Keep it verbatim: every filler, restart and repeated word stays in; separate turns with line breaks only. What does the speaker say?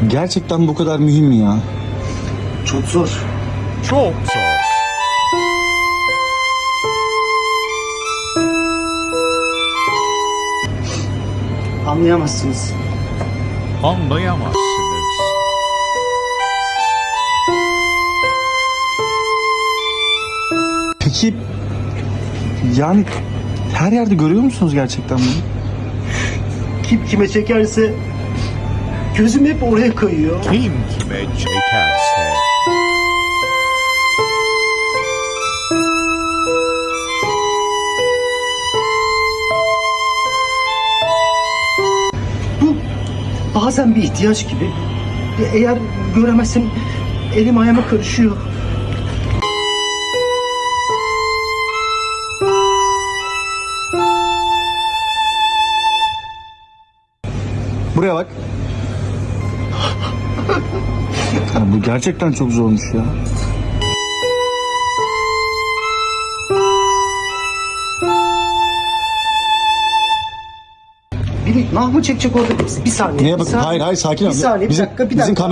Gerçekten bu kadar mühim mi ya?
Çok zor.
Çok zor.
Anlayamazsınız.
Anlayamazsınız.
Peki yani her yerde görüyor musunuz gerçekten bunu?
Kim kime çekerse gözüm hep oraya kayıyor.
Kim kime çekerse.
Bu bazen bir ihtiyaç gibi. Eğer göremezsem elim ayağıma karışıyor.
Buraya bak. Ya bu gerçekten çok zormuş ya.
Biri nah mı çekecek orada? Bir saniye.
Neye
bir
bak?
saniye.
Hayır hayır sakin ol.
Bir saniye, bir
Bizim-
dakika, bir
bizim
dakika.